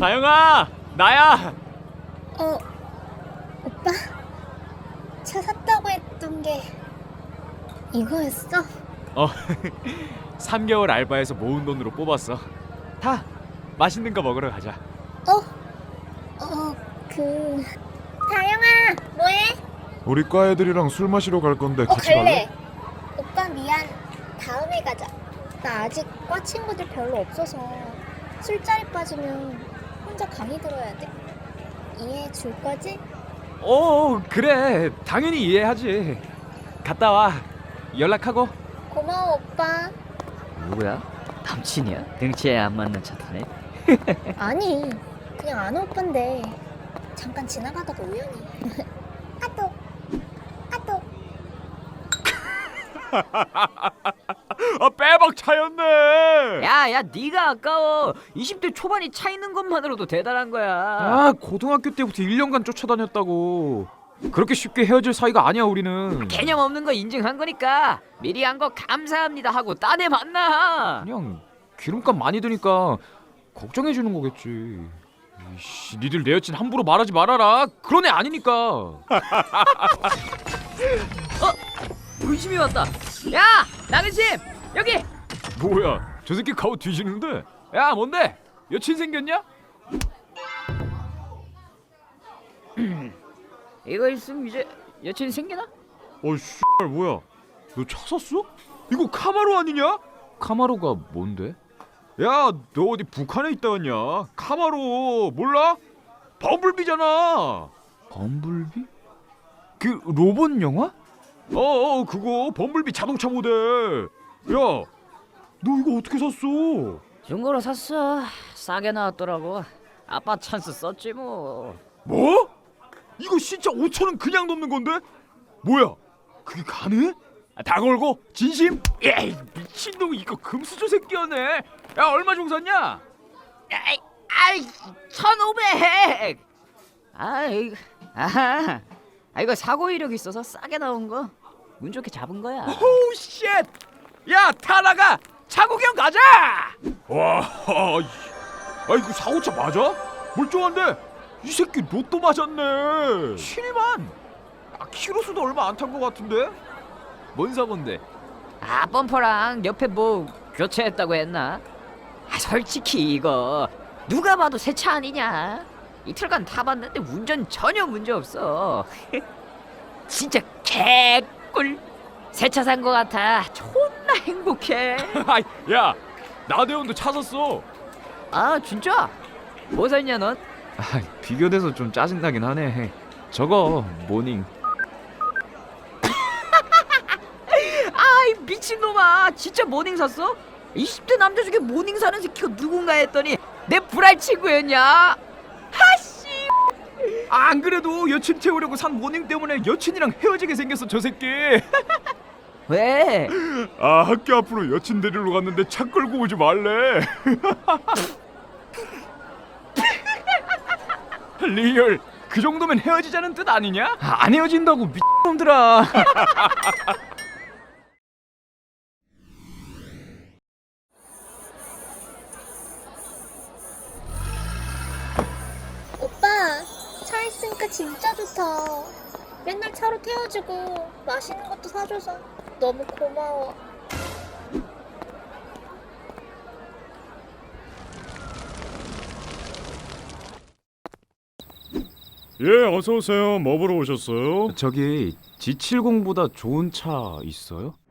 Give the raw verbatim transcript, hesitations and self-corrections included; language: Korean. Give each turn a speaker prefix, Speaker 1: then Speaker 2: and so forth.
Speaker 1: 다영아, 나야.
Speaker 2: 어, 오빠? 차 샀다고 했던 게 이거였어?
Speaker 1: 어, 삼 개월 알바해서 모은 돈으로 뽑았어. 다 맛있는 거 먹으러 가자.
Speaker 2: 어? 어, 그... 다영아, 뭐해?
Speaker 3: 우리 과 애들이랑 술 마시러 갈 건데
Speaker 2: 어,
Speaker 3: 같이
Speaker 2: 갈래.
Speaker 3: 갈래?
Speaker 2: 오빠 미안. 다음에 가자. 나 아직 과 친구들 별로 없어서 술자리 빠지면 혼자 강의 들어야 돼. 이해해 줄 거지?
Speaker 1: 어, 그래. 당연히 이해하지. 갔다 와. 연락하고.
Speaker 2: 고마워, 오빠.
Speaker 4: 누구야? 남친이야? 등치에 안 맞는 차 타네.
Speaker 2: 아니, 그냥 아는 오빠인데 잠깐 지나가다가 우연히. 까똑, 까똑.
Speaker 1: 아, 빼박 차였네.
Speaker 4: 야야 네가 아까워. 이십 대 초반이 차 있는 것만으로도 대단한 거야.
Speaker 1: 아, 고등학교 때부터 일 년간 쫓아다녔다고. 그렇게 쉽게 헤어질 사이가 아니야, 우리는.
Speaker 4: 개념 없는 거 인증한 거니까 미리 한 거 감사합니다 하고 딴 애 만나.
Speaker 1: 그냥 기름값 많이 드니까 걱정해 주는 거겠지. 이씨, 니들 내 여친 함부로 말하지 말아라. 그런 애 아니니까.
Speaker 4: 어? 의심이 왔다. 야 나근심 여기.
Speaker 1: 뭐야, 저 새끼 가오 뒤지는데. 야, 뭔데? 여친 생겼냐?
Speaker 4: 이거 있으면 이제 여친 생기나?
Speaker 1: 어이 씨발, 뭐야, 너 차 샀어? 이거 카마로 아니냐? 카마로가 뭔데? 야, 너 어디 북한에 있다 왔냐? 카마로 몰라? 범블비잖아. 범블비? 그 로봇 영화? 어어, 그거 범블비 자동차 모델. 야, 너 이거 어떻게 샀어?
Speaker 4: 중고로 샀어. 싸게 나왔더라고. 아빠 찬스 썼지 뭐.
Speaker 1: 뭐? 이거 진짜 오천 원 그냥 넘는 건데? 뭐야, 그게 가능해? 아, 다 걸고 진심? 에이, 미친놈, 이거 금수저 새끼였네. 야, 얼마 종 샀냐?
Speaker 4: 아이, 아이, 천오백. 아이, 아, 아 이거 사고 이력 있어서 싸게 나온 거. 운 좋게 잡은 거야.
Speaker 1: 오우 쉣! 야, 타나가 차 구경 가자! 와, 아, 이거 사고차 맞아? 멀쩡한데? 이 새끼 로또 맞았네. 칠만. 아, 키로수도 얼마 안 탄 거 같은데? 뭔 사고인데?
Speaker 4: 아 범퍼랑 옆에 뭐 교체했다고 했나? 아 솔직히 이거 누가 봐도 새 차 아니냐? 이틀간 타봤는데 운전 전혀 문제 없어. 진짜 개꿀. 새 차 산 거 같아. 존나 행복해.
Speaker 1: 아이, 야, 나대원도 차 샀어.
Speaker 4: 아 진짜? 뭐 샀냐 넌?
Speaker 1: 아, 비교돼서 좀 짜증나긴 하네. 저거 모닝.
Speaker 4: 아이 미친놈아, 진짜 모닝 샀어? 이십 대 남자 중에 모닝 사는 새끼가 누군가 했더니 내 불알 친구였냐? 하씨.
Speaker 1: 아, 안 그래도 여친 태우려고 산 모닝 때문에 여친이랑 헤어지게 생겼어, 저 새끼.
Speaker 4: 왜?
Speaker 1: 아, 학교 앞으로 여친 데리러 갔는데 차 끌고 오지 말래. 리얼, 그 정도면 헤어지자는 뜻 아니냐? 아, 안 헤어진다고 미친놈들아.
Speaker 2: 오빠, 차 있으니까 진짜 좋다. 맨날 차로 태워주고 맛있는 것도 사줘서 너무 고마워.
Speaker 3: 예, 어서 오세요. 뭐 보러 오셨어요?
Speaker 1: 저기 지 칠십보다 좋은 차 있어요?